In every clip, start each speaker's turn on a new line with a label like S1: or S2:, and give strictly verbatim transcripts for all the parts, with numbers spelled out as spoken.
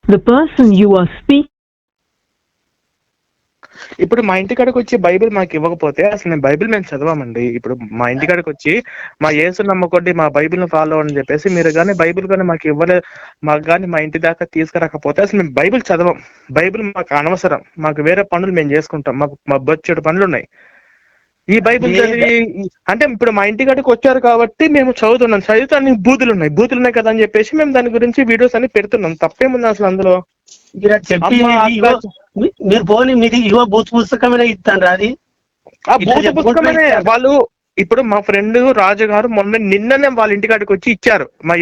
S1: The person you are speaking.
S2: ఇప్పుడు మా ఇంటికాడికి వచ్చి బైబిల్ మాకు ఇవ్వకపోతే అసలు మేము బైబిల్ మేము చదవమండి. ఇప్పుడు మా ఇంటికాడికి వచ్చి మా యేసు నమ్మకొండి, మా బైబిల్ ను ఫాలో అని చెప్పేసి మీరు కానీ బైబిల్ కానీ మాకు ఇవ్వలే, మాకు కానీ మా ఇంటి దాకా తీసుకురాకపోతే అసలు మేము బైబిల్ చదవం. బైబిల్ మాకు అనవసరం. మాకు వేరే పనులు మేము చేసుకుంటాం. మాకు మా బొచ్చెడు పనులు ఉన్నాయి. ఈ బైబిల్ చదివి అంటే ఇప్పుడు మా ఇంటి కాడికి వచ్చారు కాబట్టి మేము చదువుతున్నాం. చదివితే అన్ని బూతులు ఉన్నాయి బూతులు ఉన్నాయి కదా అని చెప్పేసి మేము దాని గురించి వీడియోస్ అన్ని పెడుతున్నాం. తప్పేముంది అసలు అందులో?
S3: మీరు పోనీ మీకు ఇవో బూత్ పుస్తకమే ఇస్తాను అది
S2: ఆ బూత్ పుస్తకమే వాళ్ళు. ఇప్పుడు మా ఫ్రెండ్ రాజు గారు మొన్న నిన్ననే వాళ్ళ ఇంటికాడికి వచ్చి ఇచ్చారు. మా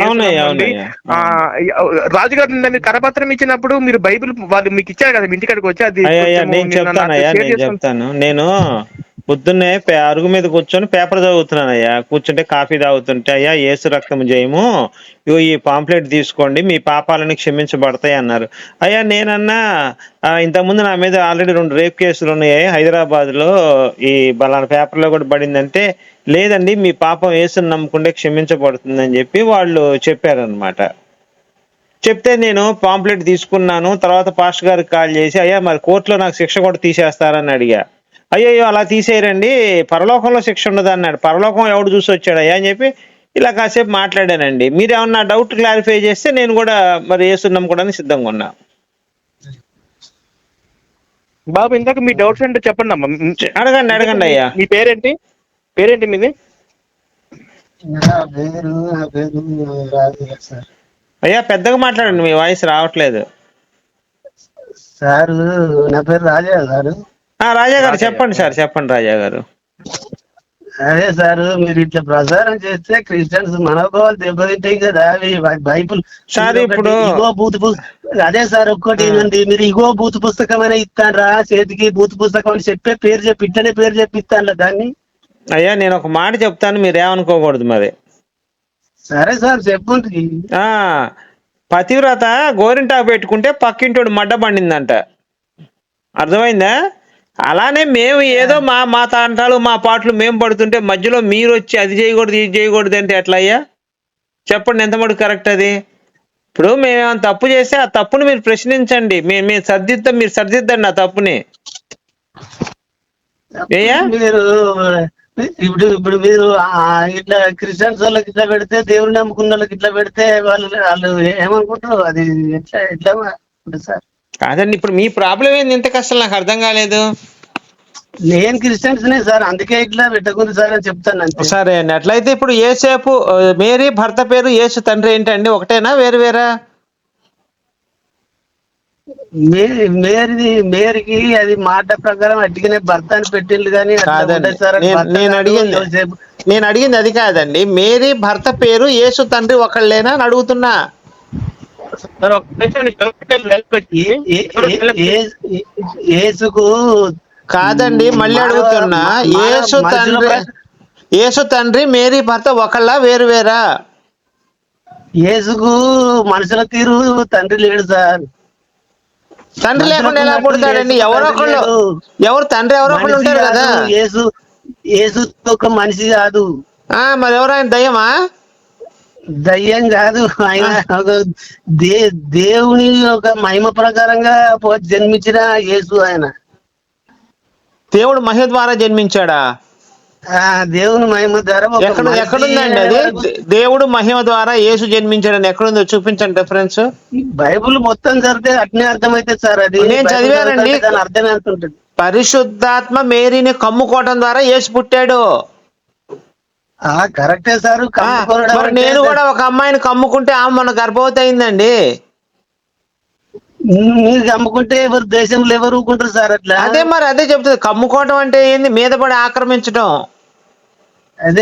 S2: రాజుగారు నిన్న కరపత్రం ఇచ్చినప్పుడు మీరు బైబిల్ వాళ్ళు మీకు ఇచ్చారు కదా మీ ఇంటికాడికి వచ్చి. అది
S4: చెప్తాను. నేను పొద్దున్నే అరుగు మీద కూర్చొని పేపర్ చదువుతున్నానయ్యా. కూర్చుంటే కాఫీ తాగుతుంటే, అయ్యా యేసు రక్తం జయము, ఇగో ఈ పాంప్లెట్ తీసుకోండి, మీ పాపాలని క్షమించబడతాయి అన్నారు. అయ్యా నేనన్నా ఇంతకుముందు నా మీద ఆల్రెడీ రెండు రేప్ కేసులు ఉన్నాయి హైదరాబాద్ లో, ఈ బలానా పేపర్ లో కూడా పడిందంటే, లేదండి మీ పాపం యేసుని నమ్ముకుంటే క్షమించబడుతుందని చెప్పి వాళ్ళు చెప్పారనమాట. చెప్తే నేను పాంప్లెట్ తీసుకున్నాను. తర్వాత పాస్టర్ గారికి కాల్ చేసి, అయ్యా మరి కోర్టులో నాకు శిక్ష కూడా తీసేస్తారని అడిగా. అయ్యో అలా తీసేయరండి, పరలోకంలో శిక్ష ఉండదు అన్నాడు. పరలోకం ఎవడు చూసి వచ్చాడయ్యా అని చెప్పి ఇలా కాసేపు మాట్లాడానండి. మీరు ఏమన్నా డౌట్ క్లారిఫై చేస్తే నేను కూడా మరి యేసుని నమ్ముకోవడానికి సిద్ధంగా ఉన్నా.
S2: బాబు ఇందాక మీ డౌట్స్ అంటే చెప్పండి అమ్మా.
S4: అడగండి అడగండి అయ్యా.
S2: మీ పేరేంటి? పేరేంటి మీది?
S4: అయ్యా పెద్దగా మాట్లాడండి, మీ వాయిస్ రావట్లేదు.
S3: సార్ నా పేరు రాజా గారు.
S4: రాజా గారు చెప్పండి సార్, చెప్పండి రాజా గారు.
S3: అదే సార్ మీరు ఇట్లా ప్రచారం చేస్తే క్రిస్టియన్స్ మనోభావాలు దెబ్బతింటాయి కదా. అవి బైబుల్
S4: సార్ ఇప్పుడు
S3: ఇగో బూత్ అదే సార్ ఒక్కటి ఏంటండి, మీరు ఇగో బూత్ పుస్తకం అయినా ఇస్తానరా చేతికి బూత్ పుస్తకం అని చెప్పే పేరు చెప్పి ఇట్లనే పేరు చెప్పి ఇస్తాను దాన్ని.
S4: అయ్యా నేను ఒక మాట చెప్తాను, మీరేమనుకోకూడదు మరి.
S3: సరే సార్ చెప్పండి.
S4: ఆ పతివ్రత గోరింటాకు పెట్టుకుంటే పక్కింటోడు మడ్డ పండిందంట, అర్థమైందా? అలానే మేము ఏదో మా మా తాంటాలు మా పాటలు మేము పడుతుంటే మధ్యలో మీరు వచ్చి అది చేయకూడదు ఇది చేయకూడదు అంటే ఎట్లా అయ్యా చెప్పండి? ఎంత మటుకు కరెక్ట్ అది? ఇప్పుడు మేమేమైనా తప్పు చేస్తే ఆ తప్పుని మీరు ప్రశ్నించండి, మేము మేము సర్దిద్దాం, మీరు సర్దిద్దండి ఆ తప్పుని. ఏయా
S3: మీరు ఇప్పుడు ఇప్పుడు మీరు ఇట్లా క్రిస్టియన్స్ వాళ్ళకి ఇట్లా పెడితే, దేవుని నమ్ముకున్న వాళ్ళకి ఇట్లా పెడితే వాళ్ళు వాళ్ళు ఏమనుకుంటారు? అది ఎట్లా ఎట్లా సార్?
S4: కాదండి, ఇప్పుడు మీ ప్రాబ్లం ఏంది ఇంత కష్టం? నాకు అర్థం కాలేదు.
S3: నేను క్రిస్టియన్స్ నే సార్, అందుకే ఇట్లా పెట్టకుంది సార్ అని చెప్తాను.
S4: సరే అండి, అట్లయితే ఇప్పుడు యేసేపు మేరీ భర్త పేరు యేసు తండ్రి ఏంటండి? ఒకటేనా వేరు వేరా?
S3: మేరీ మేరీకి అది మాట ప్రకారం అట్టిగానే భర్త అని పెట్టిండు కానీ
S4: నేను అడిగింది నేను అడిగింది అది కాదండి. మేరీ భర్త పేరు యేసు తండ్రి ఒకళ్ళేనా అని అడుగుతున్నా.
S3: యేసుకు
S4: కాదండి, మళ్ళీ అడుగుతున్నా. యేసు తండ్రి యేసు తండ్రి మేరీ భర్త ఒకళ్ళ వేరు వేరా?
S3: యేసుకు మనుషుల తీరు తండ్రి లేడు సార్.
S4: తండ్రి లేకుండా ఎలా పుడతాడండి? ఎవరో ఒకళ్ళు, ఎవరు తండ్రి ఎవరో ఒకళ్ళు ఉంటారు కదా.
S3: యేసు యేసు ఒక మనిషి కాదు.
S4: ఆ మరి ఎవరు ఆయన? దయ్యమా?
S3: దయ్యం కాదు, ఆయన ఒక దే దేవుని ఒక మహిమ ప్రకారంగా జన్మించిన యేసు. ఆయన
S4: దేవుడు మహిమ ద్వారా జన్మించాడా?
S3: దేవుని మహిమ ద్వారా.
S4: ఎక్కడ ఎక్కడుందండి అది? దేవుడు మహిమ ద్వారా యేసు జన్మించాడని ఎక్కడుందో చూపించండి రిఫరెన్స్.
S3: బైబుల్ మొత్తం చదివితే అట్నే అర్థమైతే సార్. అది
S4: నేను చదివానండి.
S3: అర్థమే అంటుంటది.
S4: పరిశుద్ధాత్మ మేరీని కమ్ముకోవటం ద్వారా యేసు పుట్టాడు.
S3: కరెక్టే సార్.
S4: మరి నేను కూడా ఒక అమ్మాయిని కమ్ముకుంటే ఆమె మన గర్భవతి అయిందండి.
S3: మీరు కమ్ముకుంటే ఎవరు దేశంలో ఎవరు ఊరుకుంటారు సార్ అట్లా?
S4: అదే మరి అదే చెప్తుంది. కమ్ముకోవటం అంటే ఏంది? మీద పడి ఆక్రమించడం.
S3: అదే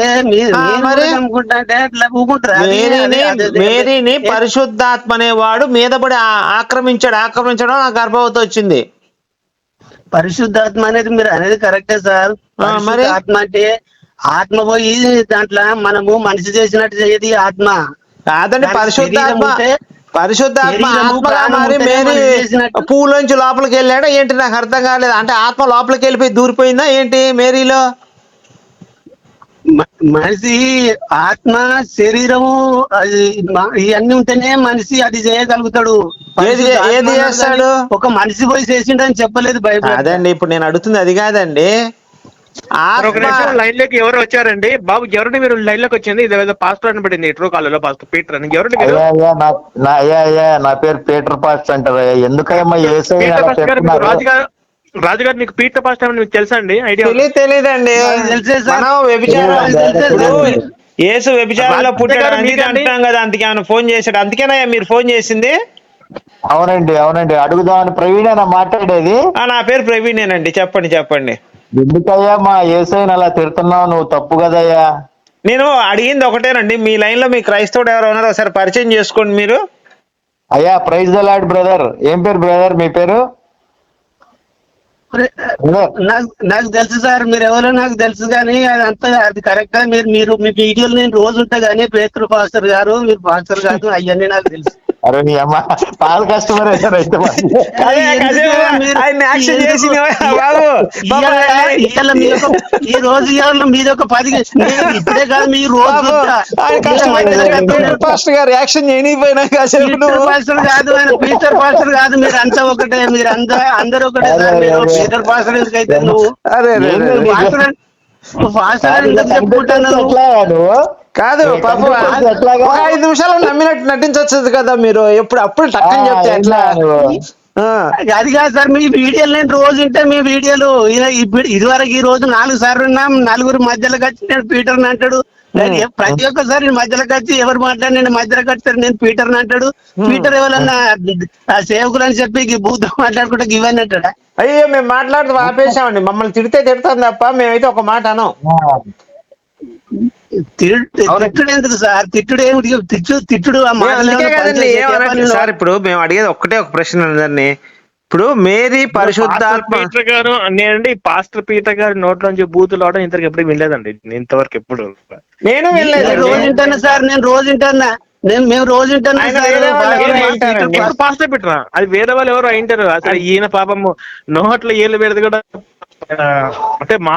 S4: మేరీని పరిశుద్ధాత్మ అనేవాడు మీద పడి ఆక్రమించాడు. ఆక్రమించడం ఆ గర్భవతి వచ్చింది.
S3: పరిశుద్ధాత్మ అనేది మీరు అనేది కరెక్టే సార్. మరి ఆత్మ అంటే ఆత్మ పోయి దాంట్లో మనము మనిషి చేసినట్టు చేయది ఆత్మ
S4: కాదండి. పరిశుద్ధాత్మ పరిశుద్ధాత్మ ఆత్మగా మారి మేరీ పూలోంచి లోపలికి వెళ్ళాడా ఏంటి? నాకు అర్థం కాలేదు. అంటే ఆత్మ లోపలికి వెళ్ళిపోయి దూరిపోయిందా ఏంటి మేరీలో?
S3: మ- మనిషి ఆత్మ శరీరము అది మ- ఇవన్నీ ఉంటేనే మనిషి అది చేయగలుగుతాడు.
S4: ఏది
S3: పరిశుద్ధ
S4: ఏది
S3: ఆత్మ అన్నాడు
S4: చేస్తాడు?
S3: కానీ ఒక మనిషి పోయి చేసిండని చెప్పలేదు బైబిల్.
S4: అదండి ఇప్పుడు నేను అడుగుతుంది అది కాదండి.
S2: మరి ఒక
S4: ఆత్మ
S2: నిమిషం లైన్ లోకి ఎవరు వచ్చారండి బాబు? ఎవరండి మీరు లైన్ లోకి వచ్చింది? ఇది ఏదో పాస్టర్ అని పడింది ట్రూ కాల్లో పాస్టర్ పీటర్ అని. ఎవరండి మీరు?
S1: అయ్యా అయ్యా నా నా అయ్యా అయ్యా నా పేరు పీటర్ పాస్ట్ అంటారు. ఎందుకయ్యా యేసయ్య
S2: పీటర్
S1: అలా
S2: పాస్టర్ గారు మీకు
S1: చెప్తున్నారు?
S2: రాజుగారు రాజుగారు మీకు పీటర్ పాస్టర్ అని మీకు తెలుసా అండి? ఐడియా
S4: తెలియదు తెలియదండి.
S3: నాకు తెలుసే సార్.
S4: మనం వ్యభిచారం
S3: నాకు తెలుసే
S4: ఇప్పుడు
S3: సార్.
S4: యేసు వ్యభిచారంలో
S2: రాజు
S4: పుట్టాడు
S2: గారు
S4: అని
S2: మీకండి?
S4: అంటున్నాం కదా, అందుకే ఆయన ఫోన్ చేశాడు. అందుకేనా మీరు ఫోన్ చేసింది?
S1: అవునండి అవునండి అడుగుదామని ప్రవీణేనా మాట్లాడేది?
S4: ఆ, నా పేరు ప్రవీణేనండి. చెప్పండి చెప్పండి.
S1: ఎందుకయ్యా మా యేసయ్యని అలా తిడుతున్నావు? నువ్వు తప్పు కదయ్యా.
S4: నేను అడిగింది ఒకటేనండి, మీ లైన్ లో మీ క్రైస్తవుడు ఎవరు ఉన్నారో ఒకసారి పరిచయం చేసుకోండి మీరు.
S1: అయ్యా ప్రైజ్ ద లార్డ్ బ్రదర్. ఏం పేరు బ్రదర్ మీ పేరు? బ్రదర్
S3: నాకు నాకు తెలుసు సార్, మీరు ఎవరో నాకు తెలుసు కానీ అదంతా అది కరెక్ట్ గా మీరు మీరు మీ వీడియోలు నేను రోజు ఉంటా కానీ పేతురు పాస్టర్ గారు మీరు పాస్టర్ కాదు అవన్నీ నాకు తెలుసు.
S1: అరే నీ అమ్మ పాల కస్టమర్ అయ్యారు అయితే మరి.
S4: అదే, అదే,
S3: మీరు-
S4: ఆయన యాక్షన్
S3: ఎందుకు-
S4: చేసింది బాబు. బాబు,
S3: ఇవాళ- ఇవాళ మీ యొక్క- ఈ రోజు ఇవాళ మీద ఒక పది నేను ఇప్పుడే కాదు మీ రోజు
S4: బాబు,
S3: ఉంటా.
S4: ఆయన కష్టపడి పీటర్ పాస్టర్ గారు యాక్షన్ చేయనిపోయినా కాసేపు
S3: పీటర్
S4: నువ్వు.
S3: పాస్టర్ కాదు ఆయన పీటర్ పాస్టర్ కాదు, మీరు అంతా ఒకటే, మీరు అంతా అందరు ఒకటే సార్. మీరు పీటర్ పాస్టర్ ఎందుకైతే నువ్వు
S4: అరే అరే, అరే, అరే.
S3: పాస్టర్ నువ్వు పాస్టర్ ఎందుకు చెప్పుకుంటున్నావు?
S1: ఎట్లాగా నువ్వు?
S4: కాదు
S1: ఏ
S4: పాపం,
S1: కంప్యూటర్ ఎట్లాగా?
S4: ఒక ఐదు నిమిషాలు నమ్మినట్టు నటించవచ్చు కదా మీరు. ఎప్పుడు అప్పుడు టక్కని చెప్తే ఎట్లా? ఆ,
S3: అది కాదు సార్, మీ వీడియోలు నేను రోజు ఉంటే మీ వీడియోలు ఇది- ఇప్పుడు ఇదివరకు ఈ రోజు నాలుగు సార్లు ఉన్నాం, నలుగురు మధ్యలోకి వచ్చి నేను పీటర్ అంటాడు. నేను ఎ- ప్రతి ఒక్కసారి నేను మధ్యలోకి వచ్చి ఎవరు మాట్లాడి నేను మధ్యలోకి వచ్చారు నేను పీటర్ అంటాడు. పీటర్ ఎవరన్నా ఆ సేవకులు అని చెప్పి ఈ బూత్ మాట్లాడుకుంటే ఇవన్నీ అంటాడా?
S4: అయ్యో మేము మాట్లాడుతూ ఆపేసామండి. మమ్మల్ని తిడితే తిడతాం తప్ప మేమైతే ఒక మాట అనం.
S3: తిట్టు- తిట్టుడు ఎందుకు సార్? తిట్టుడు ఏమిటి? తిట్టు తిట్టుడు ఆ
S4: మేము
S3: మాటలు
S4: అందుకే
S3: ఏమన్నా
S4: కదండి
S3: పనిచేసే
S4: ఏమన్నట్టు
S3: చెప్పాలి.
S4: సార్. ఇప్పుడు మేము అడిగేది ఒక్కటే ఒక ప్రశ్న అందరినీ. ఇప్పుడు మేరీ పరిశుద్ధాత్మ.
S2: పాస్టర్ పీటర్ గారు నేనండి పాస్టర్ పీటర్ గారి నోట్లో నుంచి బూతులు అవడం ఇంతవరకు ఎప్పుడు వినలేదండి. ఇంతవరకు ఎప్పుడు
S4: నేను
S3: నేను రోజు
S4: వెళ్ళలేదు.
S3: వింటాను సార్, నేను రోజు వింటానా, నేను మేము రోజు వింటాను
S4: ఆయన
S3: సార్.
S4: వేరే వాళ్ళు ఎవరో
S3: బాగా-
S4: వింటారండి.
S2: ఎవరు పాస్టర్ పీటరా? అది వేరే వాళ్ళు ఎవరు అయింటారు. అసలు ఈయన పాపము నోట్లో ఏళ్ళు పెడితే కూడా ఆ, అంటే మా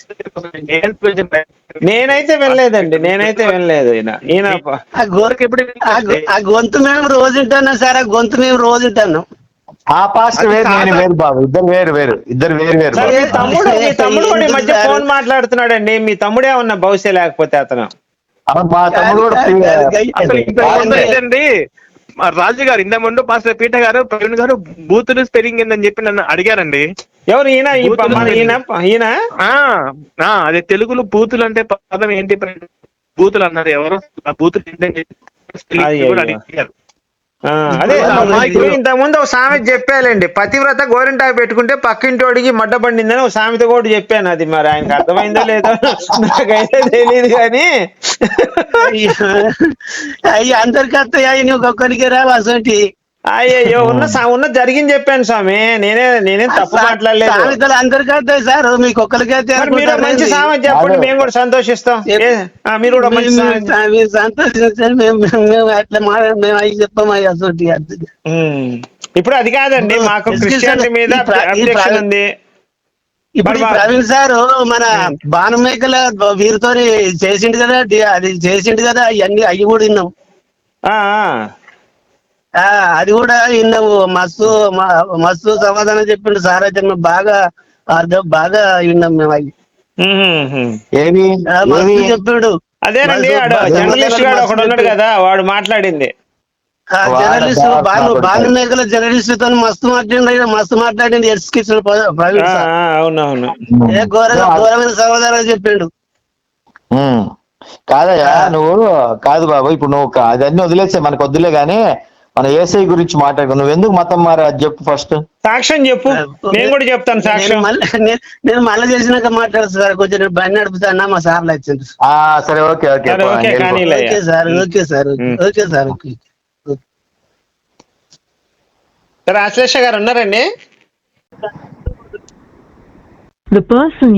S4: నేనైతే వెళ్ళలేదండి. నేనైతే వెళ్ళలేదు. ఈయన ఈయన
S3: ఆ గో-
S2: ఎప్పుడు
S3: ఆ గొ- ఆ గొంతు మేము రోజు వింటాను సార్, ఆ గొంతు మేము రోజు వింటాను.
S1: ఆ పాస్ట్ వేరు నేను వేరు బాబు. ఇద్దరు వేరు వేరు ఇద్దరు వేరు వేరు
S4: సరే,
S1: బాబు.
S4: మీ తమ్ముడు మీ తమ్ముడు కూడా ఈ మధ్య ఫోన్ మాట్లాడుతున్నాడండి. మీ తమ్ముడే ఉన్న బహుశా లేకపోతే అతను.
S1: అవును, మా తమ్ముడు కూడా free గా-
S2: అసలు ఇంత ముందు ఏంటండి మా రాజు గారు ఇంత ముందు పాస్టర్ పీటర్ గారు ప్రవీణ్ గారు బూతులు స్పెల్లింగ్ ఏందని చెప్పి నన్ను అడిగారండి.
S4: ఎవరు ఈయన? ఈ ప- మన ఈయన ఈయన
S2: ఆ ఆ, అదే తెలుగులో బూతులు అంటే పదం ఏంటి బూతులు అన్నారు. ఎవరు ఆ బూతులు ఏంటని చెప్పి spelling కూడా అడిగారు.
S4: ఆ, అదే
S2: ఇప్పుడు-
S4: ఇప్పుడు ఇంత ముందు ఒక సామెత చెప్పాలండి. పతివ్రత గోరింటాకు పెట్టుకుంటే పక్కింటోడికి మడ్డ పండిందని ఒక సామెత కూడా చెప్పాను. అది మరి ఆయనకు అర్థమైందో లేదో నాకైతే తెలియదు కానీ.
S3: అయ్యి అందరికి వస్తాయి, అవి నువ్వు ఒక్కడికే రావు అసలు.
S4: అయ్యో ఉన్న సా- ఉన్న జరిగింది చెప్పాను స్వామి. నేనే నేనేం తప్పు మాట్లాడలేదు.
S3: సామెతలు అందరికి వస్తాయి సార్, మీకు ఒక్కరికి అయితే
S4: మరి మీరు ఒక మంచి సామెత చెప్పండి, మేము కూడా సంతోషిస్తాం. ఏ, ఆ, మీరు కూడా ఒక మంచి సామెత.
S3: మీరు సంతోషించండి, మేము మేము- మేము అట్లా మా మేము అవి చెప్పాము అవి అసలు.
S4: ఉమ్. ఇప్పుడు అది కాదండి, మాకు క్రిస్టియానిటీ మీద
S3: ఈ ప్ర- ఈ
S4: అబ్జెక్షన్
S3: ప్ర-
S4: ఉంది.
S3: ఇప్పుడు ఈ
S4: మరి మా-
S3: ప్రవీణ్ సార్ మన బాణమేకల వీరితో చేసిండు కదా, డి- అది చేసిండు కదా, అవన్నీ అవి కూడా విన్నాం.
S4: ఆ, ఆ.
S3: ఆ అది కూడా విన్నాము. మస్తు మ- మస్తు సమాధానం చెప్పిండు సార్. అయితే మేము బాగా అర్థం బాగా విన్నాం మేము అవి.
S4: ఉహుహు.
S1: ఏమి
S3: ఆ, మస్తు
S1: ఏమి
S3: చెప్పిండు.
S4: అదేనండి,
S3: మస్తు-
S4: ఆడు
S3: మస్తు
S4: జర్నలిస్ట్ గాడు ఒకడు ఉన్నాడు
S3: చెప్పిండు.
S4: కదా, వాడు మాట్లాడింది.
S3: ఆ జర్నలిస్ట్
S1: వాడు
S3: బాను
S1: బాగా
S3: బాను మేకల జర్నలిస్ట్ తో మస్తు మాట్లాడిండు, మస్తు మాట్లాడింది. ఎస్కిచ్చిన ప్రవీణ్
S4: ఆ,
S3: సార్
S4: ఆ, అవునవును.
S3: ఏ ఘోరంగా ఘోరమైన సమాధానం చెప్పిండు.
S1: ఉమ్. కాదయ్యా నువ్వు కాదు బాబు. ఇప్పుడు నువ్వు కా- అదన్నీ వదిలేసే, మనకు వద్దులే గానీ మన ఏసై గురించి మాట్లాడుకో. నువ్వు ఎందుకు మతం మారా అది చెప్పు ఫస్ట్.
S4: సాక్ష్యం చెప్పు, నేను కూడా చెప్తాను
S3: నేను
S4: సాక్ష్యం.
S3: మళ్ళీ నేను- నేను మళ్ళీ చేసినాక మాట్లాడుతా సార్. కొంచెం నేను బండి నడుపుతానా, మా సార్లు వచ్చింది.
S1: ఆ సరే ఓకే ఓకే
S4: సరే, ఓకే,
S1: వెళ్ళిపో.
S4: కానీ లే.
S3: Okay sir okay sir okay
S4: um.
S3: Okay sir okay.
S4: సరే, ఆశ్లేష గారు ఉన్నారండి?
S5: The person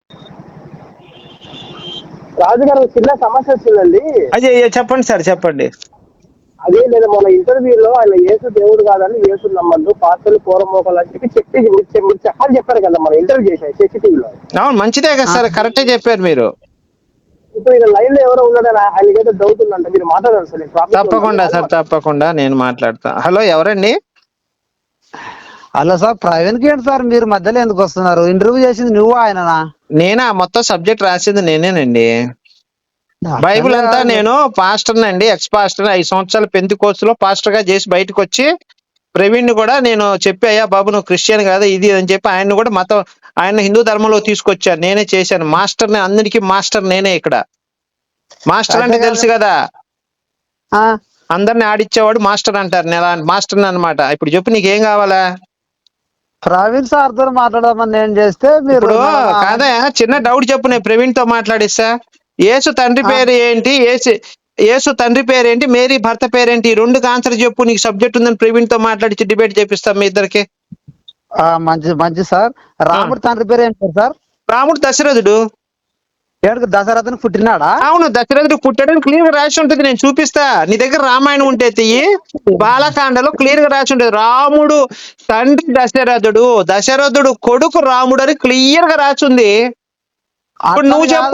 S6: రాజుగారు చిన్న సమస్య వచ్చిందండి.
S4: అదే చెప్పండి సార్, చెప్పండి.
S6: అదే లేదా మన ఇంటర్వ్యూలో ఆయన యేసు దేవుడు కాదని యేసు నమ్మద్దు పాస్టర్లు పూర్వమోకాలు అని చెప్పి చెప్పి మీరు మీరు చెప్పాలి చెప్పారు కదా మన ఇంటర్వ్యూ చేశారు శశి టీవీలో.
S4: అవును, మంచిదే కదా సార్, కరెక్టే చెప్పారు మీరు.
S6: ఇప్పుడు ఈయన లైన్ లో ఎవరో ఉన్నాడని ఆయనకైతే డౌట్ ఉందంట, మీరు మాట్లాడారు సార్.
S4: తప్పకుండా సార్, తప్పకుండా నేను మాట్లాడతా. హలో, ఎవరండి?
S7: హలో సార్, ప్రవీణ్ కి ఏంటి సార్ మీరు మధ్యలో ఎందుకు వస్తున్నారు? ఇంటర్వ్యూ చేసింది నువ్వు ఆయననా?
S4: నేనా? మొత్తం సబ్జెక్ట్ రాసింది నేనేనండి. బైబిల్ అంతా నేను పాస్టర్ అండి, ఎక్స్ పాస్టర్. ఐదు సంవత్సరాల పెంతెకోస్తు లో పాస్టర్ గా చేసి బయటకు వచ్చి ప్రవీణ్ కూడా నేను చెప్పి, అయ్యా బాబు నువ్వు క్రిస్టియన్ కదా ఇది అని చెప్పి ఆయన కూడా మతం ఆయన హిందూ ధర్మంలో తీసుకొచ్చాను. నేనే చేశాను. మాస్టర్ అందరికీ మాస్టర్ నేనే. ఇక్కడ మాస్టర్ అంటే తెలుసు కదా, అందరిని ఆడిచ్చేవాడు మాస్టర్ అంటారు. నేను మాస్టర్ అన్నమాట. ఇప్పుడు చెప్పు నీకేం కావాలా?
S7: ప్రవీణ్ సార్ తో మాట్లాడమని నేను చేస్తే మీరు
S4: కాదా, చిన్న డౌట్ చెప్పు, నేను ప్రవీణ్ తో మాట్లాడిస్తా. యేసు తండ్రి పేరు ఏంటి? యేసు యేసు తండ్రి పేరేంటి? మేరీ భర్త పేరేంటి? ఈ రెండు ఆన్సర్ చెప్పు. నీకు సబ్జెక్ట్ ఉందని ప్రవీణ్ తో మాట్లాడి డిబేట్ చేపిస్తాం మీ ఇద్దరికి.
S7: మంచి మంచి సార్. రాముడు తండ్రి పేరు ఏంటి సార్?
S4: రాముడు దశరథుడు.
S7: ఏడుకు దశరథుని పుట్టినాడా?
S4: అవును, దశరథుడు పుట్టాడని క్లియర్ గా రాసి ఉంటుంది. నేను చూపిస్తా. నీ దగ్గర రామాయణం ఉంటే తీయి, బాలకాండలో క్లియర్ గా రాసి ఉంటుంది. రాముడు తండ్రి దశరథుడు, దశరథుడు కొడుకు రాముడు అని క్లియర్ గా రాసి ఉంది. ఇప్పుడు నువ్వు చెప్పు.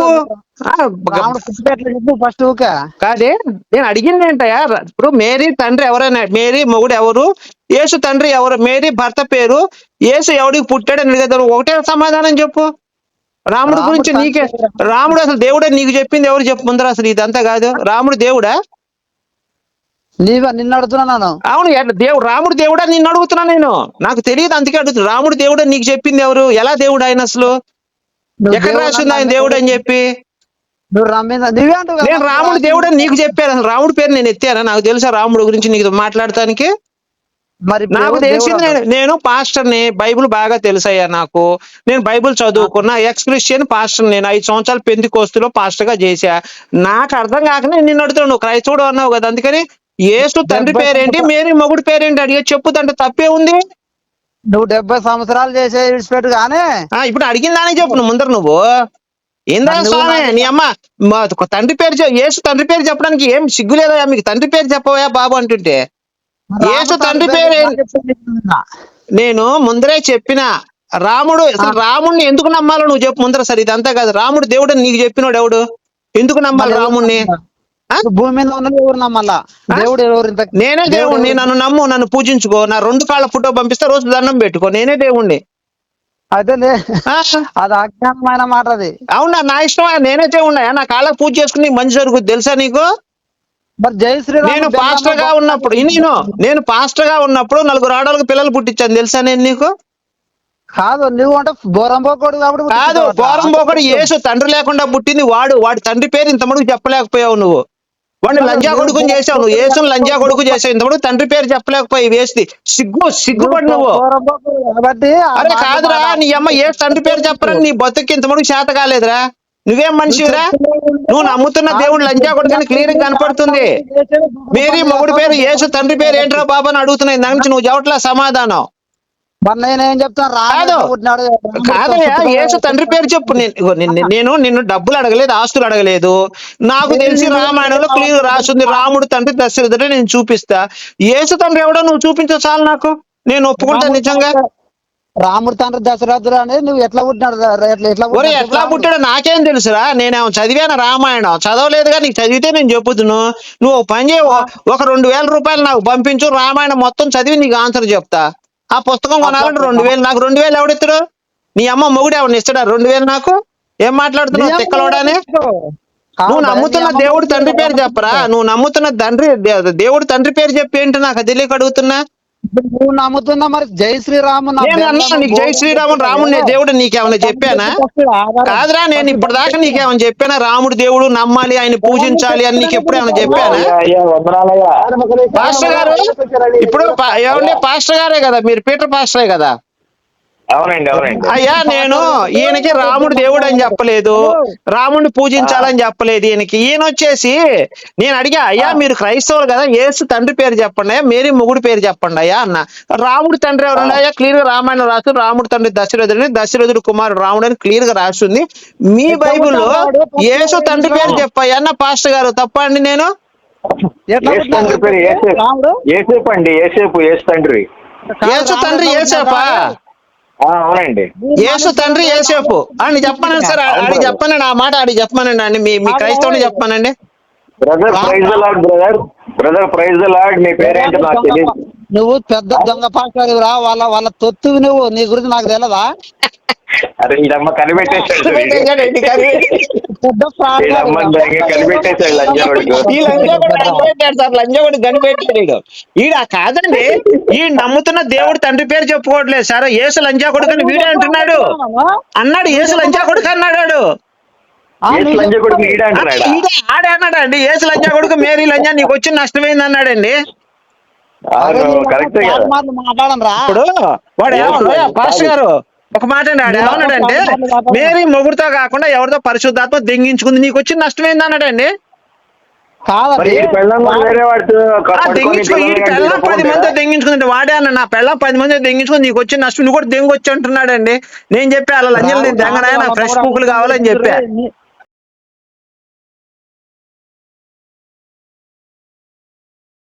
S7: ఫస్ట్
S4: కాదే, నేను అడిగింది ఏంటయ్యా? ఇప్పుడు మేరీ తండ్రి ఎవరైనా, మేరీ మొగుడు ఎవరు? యేసు తండ్రి ఎవరు? మేరీ భర్త పేరు. యేసు ఎవడికి పుట్టాడని అడిగేదారు. ఒకటే సమాధానం చెప్పు. రాముడు గురించి నీకే, రాముడు అసలు దేవుడే నీకు చెప్పింది ఎవరు చెప్పు ముందర? అసలు ఇదంతా కాదు. రాముడు దేవుడా?
S7: నీవా నిన్ను అడుగుతున్నాను.
S4: అవును, దేవుడు రాముడు దేవుడా నిన్ను అడుగుతున్నా నేను. నాకు తెలియదు, అందుకే అడుగుతున్నా. రాముడు దేవుడా నీకు చెప్పింది ఎవరు? ఎలా దేవుడు ఆయన? అసలు ఎక్కడ రాసింది ఆయన దేవుడు అని చెప్పి? నేను రాముడు దేవుడు అని నీకు చెప్పాను. అసలు రాముడు పేరు నేను ఎత్తానా? నాకు తెలుసా రాముడు గురించి నీకు మాట్లాడటానికి? నాకు తెలిసింది, నేను నేను పాస్టర్ని, బైబుల్ బాగా తెలుసయ్యా నాకు. నేను బైబుల్ చదువుకున్నా, ఎక్స్ క్రిస్టియన్ పాస్టర్. నేను ఐదు సంవత్సరాలు పెంతెకోస్తులో పాస్టర్ గా చేశా. నాకు అర్థం కాక నేను నిన్ను అడుగుతున్నాను. నువ్వు క్రైస్తవుడు అన్నావు కదా, అందుకని యేసు తండ్రి పేరేంటి, మేరీ మొగుడు పేరేంటి అడిగే చెప్పుదంటే తప్పే ఉంది.
S7: నువ్వు డెబ్బై సంవత్సరాలు చేసే విడిచిపెట్టు కానీ
S4: ఇప్పుడు అడిగిందానే చెప్పు నువ్వు ముందర. నువ్వు ఏందా స్వామి నీ అమ్మ తండ్రి పేరు, యేసు తండ్రి పేరు చెప్పడానికి ఏం సిగ్గు లేదా మీకు? తండ్రి పేరు చెప్పవా బాబు అంటుంటే. యేసు తండ్రి పేరు నేను ముందరే చెప్పిన. రాముడు అసలు రాముడిని ఎందుకు నమ్మాలో నువ్వు చెప్పు ముందర. సరే ఇదంతా కాదు. రాముడు దేవుడు నీకు చెప్పినోడు ఎవడు? ఎందుకు నమ్మాలి రాముడిని?
S7: భూమి మీద ఉన్నది ఎవరు నమ్మాలా? దేవుడు ఎవరు?
S4: నేనే దేవుడిని. నన్ను నమ్ము, నన్ను పూజించుకో. నా రెండు కాళ్ళ ఫోటో పంపిస్తే రోజు దండం పెట్టుకో. నేనే దేవుణ్ణి.
S7: అదేలే, అది అజ్ఞానమైన మాట. అది
S4: అవునా? నా ఇష్టం. నేనే దేవుణ్ణా? నా కాళ్ళకు పూజ చేసుకుని మంచి జరుగుతుంది తెలుసా నీకు?
S7: మరి జై శ్రీరామ్.
S4: నేను పాస్టర్ గా ఉన్నప్పుడు నేను నేను పాస్టర్ గా ఉన్నప్పుడు నలుగురు ఆడవాళ్ళకి పిల్లలు పుట్టించాను తెలుసా నేను నీకు?
S7: కాదు, నువ్వు అంటే బోరంబోకోడు కాబట్టి
S4: కాదు. బోరంబోకోడు యేసు తండ్రి లేకుండా పుట్టింది వాడు. వాడి తండ్రి పేరు ఇంతమడుగు చెప్పలేకపోయావు నువ్వు. వాడిని లంజా కొడుకుని చేసావు నువ్వు. యేసుని లంజా కొడుకు చేసావు. ఇంతమడుగు తండ్రి పేరు చెప్పలేకపోయి వేసి సిగ్గు సిగ్గుపడి నువ్వు. అరే కాదురా, నీ అమ్మ ఏ తండ్రి పేరు చెప్పరని నీ బతుకి ఇంతమడుగు చేత కాలేదురా. నువ్వేం మనిషిరా? నువ్వు నమ్ముతున్న దేవుడు లంజా కొడుకుని క్లియర్ గా కనపడుతుంది. మేరీ మొగుడు పేరు, యేసు తండ్రి పేరు ఏంట్రా బాబు అని అడుగుతున్నాయి. దాని నుంచి నువ్వు చెప్పట్లా సమాధానం. కాదు కాదయ్యా, యేసు తండ్రి పేరు చెప్పు. నేను నిన్ను డబ్బులు అడగలేదు, ఆస్తులు అడగలేదు. నాకు తెలిసి రామాయణంలో క్లియర్ రాసింది రాముడు తండ్రి దశరథుడు. నేను చూపిస్తా. యేసు తండ్రి ఎవడో నువ్వు చూపించు చాలు నాకు. నేను ఒప్పుకుంటా నిజంగా.
S7: రాముడు తండ్రి దశరథుడు అనేది నువ్వు ఎట్లా పుట్టినాడు?
S4: ఒరే ఎట్లా పుట్టాడో నాకేం తెలుసురా? నేనేమో చదివాను రామాయణం? చదవలేదుగా. నీకు చదివితే నేను చెప్పుతును. నువ్వు పని చేయ, ఒక రెండు వేల రూపాయలు నాకు పంపించు, రామాయణం మొత్తం చదివి నీకు ఆన్సర్ చెప్తా. ఆ పుస్తకం కొనాలంటే రెండు వేలు. నాకు రెండు వేలు ఎవడిస్తాడు? నీ అమ్మ మొగుడు ఎవరిని ఇస్తాడా రెండు వేలు నాకు? ఏం మాట్లాడుతున్నావు తిక్కలోడానే? నువ్వు నమ్ముతున్న దేవుడు తండ్రి పేరు చెప్పరా? నువ్వు నమ్ముతున్న తండ్రి దేవుడు తండ్రి పేరు చెప్పి ఏంటి నాకు తెలియక అడుగుతున్నా.
S7: నువ్వు నమ్ముతున్నా మరి జై శ్రీరాము.
S4: నీకు జై శ్రీరాము రాముడు దేవుడు నీకేమన్నా చెప్పానా? కాదురా, నేను ఇప్పుడు దాకా నీకేమన్నా చెప్పానా? రాముడు దేవుడు నమ్మాలి, ఆయన పూజించాలి అని నీకు ఎప్పుడు ఏమన్నా చెప్పానా? పాస్టర్ గారు ఇప్పుడు ఏమండి పాస్టర్ గారే కదా మీరు? పీటర్ పాస్టరే కదా?
S8: అవునండి అవునండి
S4: అయ్యా నేను ఈయనకి రాముడు దేవుడు అని చెప్పలేదు, రాముడిని పూజించాలని చెప్పలేదు ఈయనకి. ఈయన వచ్చేసి నేను అడిగా, అయ్యా మీరు క్రైస్తవులు కదా, యేసు తండ్రి పేరు చెప్పండి అయ్యా, మేరీ మొగుడు పేరు చెప్పండి అయ్యా అన్న. రాముడు తండ్రి ఎవరు అయ్యా? క్లియర్ గా రామాయణం రాసు రాముడు తండ్రి దశరథుడిని, దశరథుడు కుమారుడు రాముడు అని క్లియర్ గా రాస్తుంది. మీ బైబుల్లో యేసు తండ్రి పేరు చెప్పయ్యా అన్న పాస్టర్ గారు. తప్ప అండి నేను?
S8: తండ్రి పేరు ఏసేపు అండి. ఏసేపు యేసు తండ్రి.
S4: యేసు తండ్రి ఏసేపా?
S8: ఆ, అవునండి.
S9: యేసు తండ్రి యేసేపు అని చెప్పానండి సార్. ఆడికి చెప్పానండి ఆ మాట, ఆడికి చెప్పానండి అండి. మీ మీ క్రైస్తవుని చెప్పానండి.
S8: Brother praise the Lord brother brother praise the Lord. మీ పేరేంటి నాకు తెలియదు.
S7: నువ్వు పెద్ద దొంగ పాస్టర్రా, వాళ్ళ వాళ్ళ తొత్తువి నువ్వు. నీ గురించి నాకు తెలియదా?
S8: అరే ఈడమ్మ కనిపెట్టేశాడు
S9: కనిపెట్టేశాడండి, కనిపెట్టి-
S7: పెద్ద ఫ్రాడ్
S8: ఈడమ్మ కనిపెట్టేశాడు లంజావుడికి.
S9: ఈ లంజావుడు కనిపెట్టాడు సార్, లంజావుడు కనిపెట్టాడు ఈడు. ఈడ కాదండి, ఈ నమ్ముతున్న దేవుడు తండ్రి పేరు చెప్పుకోవట్లేదు సార్. యేసు లంజా కొడుకు వీడే అంటున్నాడు. అన్నాడు యేసు లంజా కొడుకు అన్నాడు.
S8: యేసు లంజా కొడుకు ఈడ అంటున్నాడా?
S9: ఈడే ఆడే అన్నాడు అండి. యేసు లంజా కొడుకు మేరీ లంజా నీకు వచ్చిన నష్టమైంది అన్నాడండి.
S8: అవును కరెక్టే కదా.
S7: మాట్లాడను రా.
S9: ఇప్పుడు వాడు ఏమన్నా పాస్టర్ గారు ఒక మాట అండి, ఆడు ఏమన్నాడంటే మేరీ మొగుడుతో కాకుండా ఎవరితో పరిశుద్ధాత్మ దెంగించుకుంది, నీకు వచ్చిన నష్టమైంది అన్నాడండి.
S8: మరి
S7: కాదండి,
S8: ఈ పెళ్ళాం కూడా వేరే వాడితో
S9: ఆ
S8: పడుకొని
S9: దెంగించుకో, ఈ
S8: పిల్లల్ని
S9: పెళ్ళం పది
S8: కంటే
S9: మంది దెంగించుకుందండి. వాడే అన్న నా పెళ్ళం పది మంది దెంగించుకుని నీకు వచ్చిన నష్టం నువ్వు కూడా దెంగొచ్చి అంటున్నాడండి. నేను చెప్పా అలా లంజలు నేను దెంగనాయ నాకు ఫ్రెష్ పూకులు కావాలని చెప్పా.